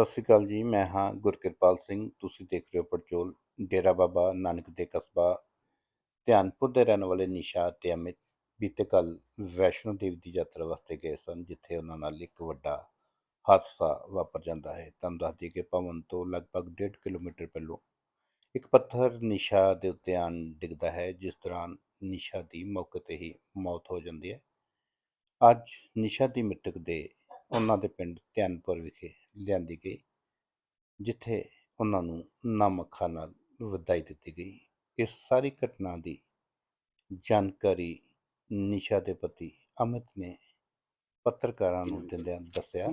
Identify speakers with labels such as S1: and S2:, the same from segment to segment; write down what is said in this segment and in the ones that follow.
S1: ਸ਼੍ਰੀ ਅਕਾਲ ਜੀ, ਮੈਂ ਹਾਂ ਗੁਰਕਿਰਪਾਲ ਸਿੰਘ। ਤੁਸੀਂ ਦੇਖ ਰਹੇ ਹੋ ਪੜਚੋਲ। ਡੇਰਾ ਬਾਬਾ ਨਾਨਕ ਦੇ ਕਸਬਾ ਧਿਆਨਪੁਰ ਦੇ ਰਹਿਣ ਵਾਲੇ ਨਿਸ਼ਾ ਅਤੇ ਅਮਿਤ ਬੀਤੇ ਕੱਲ ਵੈਸ਼ਨੋ ਦੇਵੀ ਦੀ ਯਾਤਰਾ ਵਾਸਤੇ ਗਏ ਸਨ, ਜਿੱਥੇ ਉਹਨਾਂ ਨਾਲ ਇੱਕ ਵੱਡਾ ਹਾਦਸਾ ਵਾਪਰ ਜਾਂਦਾ ਹੈ। ਤੁਹਾਨੂੰ ਦੱਸ ਦਈਏ ਕਿ ਭਵਨ ਤੋਂ ਲਗਭਗ 1.5 ਕਿਲੋਮੀਟਰ ਪਹਿਲੋਂ ਇੱਕ ਪੱਥਰ ਨਿਸ਼ਾ ਦੇ ਉੱਤੇ ਆਣ ਡਿੱਗਦਾ ਹੈ, ਜਿਸ ਦੌਰਾਨ ਨਿਸ਼ਾ ਦੀ ਮੌਕੇ 'ਤੇ ਹੀ ਮੌਤ ਹੋ ਜਾਂਦੀ ਹੈ। ਅੱਜ ਨਿਸ਼ਾ ਦੀ ਮ੍ਰਿਤਕ ਦੇ ਉਹਨਾਂ ਦੇ ਪਿੰਡ ਧਿਆਨਪੁਰ ਵਿਖੇ ਲਿਆਂਦੀ ਗਈ, ਜਿੱਥੇ ਉਹਨਾਂ ਨੂੰ ਨਮ ਅੱਖਾਂ ਨਾਲ ਵਧਾਈ ਦਿੱਤੀ ਗਈ। ਇਸ ਸਾਰੀ ਘਟਨਾ ਦੀ ਜਾਣਕਾਰੀ ਨਿਸ਼ਾ ਦੇ ਪਤੀ ਅਮਿਤ ਨੇ ਪੱਤਰਕਾਰਾਂ ਨੂੰ ਦਿੰਦਿਆਂ ਦੱਸਿਆ।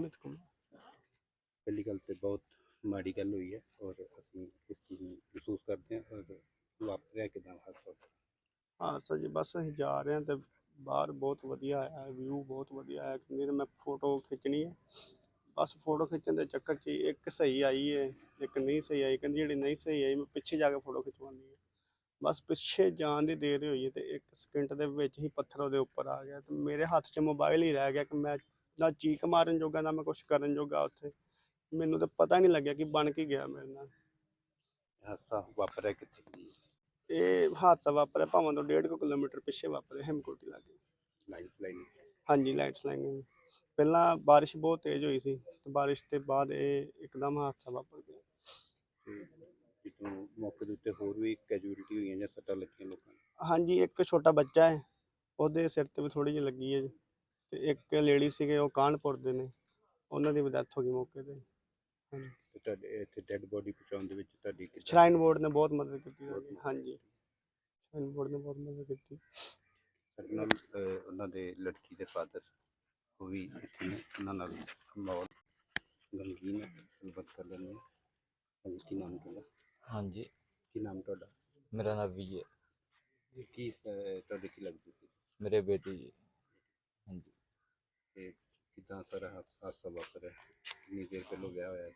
S1: ਪਹਿਲੀ ਗੱਲ ਤੇ ਬਹੁਤ ਮਾੜੀ ਗੱਲ ਹੋਈ ਹੈ ਔਰ ਅਸੀਂ ਇਸ ਚੀਜ਼ ਨੂੰ ਮਹਿਸੂਸ ਕਰਦੇ ਹਾਂ। ਔਰ ਵਾਪਰਿਆ ਕਿੱਦਾਂ ਹਾਦਸਾ?
S2: ਹਾਦਸਾ ਜੀ ਬਸ ਅਸੀਂ ਜਾ ਰਹੇ ਹਾਂ ਤੇ ਬਾਹਰ ਬਹੁਤ ਵਧੀਆ ਆਇਆ, ਵਿਊ ਬਹੁਤ ਵਧੀਆ ਆਇਆ। ਕਹਿੰਦੇ ਮੈਂ ਫੋਟੋ ਖਿੱਚਣੀ ਹੈ, ਬਸ ਫੋਟੋ ਖਿੱਚਣ ਦੇ ਚੱਕਰ 'ਚ ਇੱਕ ਸਹੀ ਆਈ ਹੈ, ਇੱਕ ਨਹੀਂ ਸਹੀ ਆਈ। ਕਹਿੰਦੀ ਜਿਹੜੀ ਨਹੀਂ ਸਹੀ ਆਈ ਮੈਂ ਪਿੱਛੇ ਜਾ ਕੇ ਫੋਟੋ ਖਿਚਵਾਉਣੀ ਹੈ। ਬਸ ਪਿੱਛੇ ਜਾਣ ਦੀ ਦੇਰ ਹੋਈ ਹੈ ਤੇ 1 ਸਕਿੰਟ ਦੇ ਵਿੱਚ ਹੀ ਪੱਥਰ ਉਹਦੇ ਉੱਪਰ ਆ ਗਿਆ ਤੇ ਮੇਰੇ ਹੱਥ 'ਚ ਮੋਬਾਈਲ ਹੀ ਰਹਿ ਗਿਆ ਕਿ ਮੈਂ ਨਾ ਚੀਕ ਮਾਰਨ ਜੋਗਾ ਨਾ ਮੈਂ ਕੁਛ ਕਰਨ ਜੋਗਾ। ਉੱਥੇ ਮੈਨੂੰ ਤਾਂ ਪਤਾ ਨਹੀਂ ਲੱਗਿਆ ਕਿ ਬਣ ਕੇ ਗਿਆ ਮੇਰੇ ਨਾਲ।
S1: ਹਾਦਸਾ ਵਾਪਰਿਆ ਕਿੱਥੇ?
S2: ਇਹ ਹਾਦਸਾ ਵਾਪਰਿਆ ਭਾਵਾਂ ਤੋਂ 1.5 ਕਿਲੋਮੀਟਰ ਪਿੱਛੇ ਵਾਪਰਿਆ, ਹਿਮਕੋਟੀ ਲਾਗੇ। ਹਾਂਜੀ, ਲਾਈਟਸ ਲਾਈਨ। ਪਹਿਲਾਂ ਬਾਰਿਸ਼ ਬਹੁਤ ਤੇਜ਼ ਹੋਈ ਸੀ ਤੇ ਬਾਰਿਸ਼ ਦੇ ਬਾਅਦ ਇਹ ਇੱਕਦਮ ਹਾਦਸਾ ਵਾਪਰ ਗਿਆ।
S1: ਮੌਕੇ ਦੇ ਉੱਤੇ ਹੋਰ ਵੀ ਕੈਜੂਅਲਟੀ ਹੋਈਆਂ ਜਾਂ ਸੱਟਾਂ ਲੱਗੀਆਂ ਲੋਕਾਂ ਨੂੰ?
S2: ਹਾਂਜੀ, ਇੱਕ ਛੋਟਾ ਬੱਚਾ ਹੈ, ਉਹਦੇ ਸਿਰ ਤੇ ਵੀ ਥੋੜੀ ਜਿਹੀ ਲੱਗੀ ਹੈ ਤੇ ਇੱਕ ਲੇਡੀ ਸੀਗੇ, ਉਹ ਕਾਨਪੁਰ ਦੇ ਨੇ, ਉਹਨਾਂ ਦੀ ਵੀ ਡੈਥ ਹੋ ਗਈ ਮੌਕੇ ਤੇ। ਹਾਂਜੀ,
S1: ਤੇ ਤੁਹਾਡੇ ਇੱਥੇ ਡੈੱਡ ਬੋਡੀ ਪਹੁੰਚਾਉਣ ਦੇ ਵਿੱਚ ਤੁਹਾਡੀ
S2: ਸ਼ਰਾਈਨ ਬੋਰਡ ਨੇ ਬਹੁਤ ਮਦਦ ਕੀਤੀ। ਹਾਂਜੀ, ਸ਼ਰਾਈਨ ਬੋਰਡ ਨੇ ਬਹੁਤ ਮਦਦ ਕੀਤੀ।
S1: ਸਾਡੇ ਨਾਲ ਉਹਨਾਂ ਦੇ ਲੜਕੀ ਦੇ ਫਾਦਰ ਉਹ ਵੀ ਇੱਥੇ ਨੇ, ਉਹਨਾਂ ਨਾਲ ਮਾਹੌਲ ਗਮਗੀਨ ਹੈ, ਗੱਲਬਾਤ ਕਰ ਲੈਂਦੇ ਹਾਂ। ਹਾਂਜੀ, ਕੀ ਨਾਮ ਤੁਹਾਡਾ?
S3: ਹਾਂਜੀ,
S1: ਕੀ ਨਾਮ ਤੁਹਾਡਾ?
S3: ਮੇਰਾ ਨਾਮ ਵਿਜੇ।
S1: ਕੀ ਤੁਹਾਡੇ ਕੀ ਲੱਗਦੀ ਸੀ?
S3: ਮੇਰੇ ਬੇਟੀ ਜੀ। ਹਾਂਜੀ,
S1: ਤੇ ਕਿੱਦਾਂ ਸਾਰਾ ਹਾਦਸਾ ਵਾਪਰਿਆ? ਕਿੰਨੀ ਦੇਰ ਪਹਿਲੋਂ ਵਿਆਹ ਹੋਇਆ?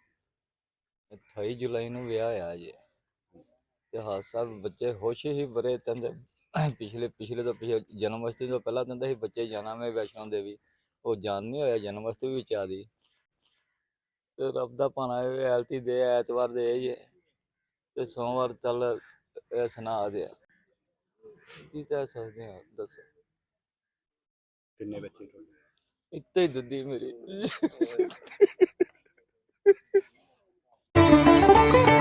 S3: 28 ਜੁਲਾਈ ਨੂੰ ਵਿਆਹ ਹੋਇਆ ਜੀ ਤੇ ਹਾਦਸਾ ਬੱਚੇ ਖੁਸ਼ ਹੀ ਬੜੇ। ਕਹਿੰਦੇ ਪਿਛਲੇ ਜਨਮ ਅਸ਼ਟਮੀ ਤੋਂ ਪਹਿਲਾਂ ਕਹਿੰਦੇ ਸੀ ਬੱਚੇ ਜਾਣਾ ਮੈਂ ਵੈਸ਼ਨੋ ਦੇਵੀ, ਉਹ ਜਾਣ ਨਹੀਂ ਹੋਇਆ। ਜਨਮ ਅਸ਼ਟਮੀ ਵਿੱਚ ਆ ਦੀ ਤੇ ਰੱਬ ਦਾ ਭਾਣਾ ਐਲਤੀ ਦੇ ਐਤਵਾਰ ਦੇ ਜੀ ਤੇ ਸੋਮਵਾਰ ਚੱਲ ਸੁਣਾ ਦਿਆ ਕੀ ਕਹਿ ਸਕਦੇ ਹਾਂ, ਦੱਸੋ।
S1: ਕਿੰਨੇ ਬੱਚੇ ਤੁਹਾਡੇ?
S3: ਇੱਥੇ ਹੀ ਦੁੱਦੀ ਮੇਰੀ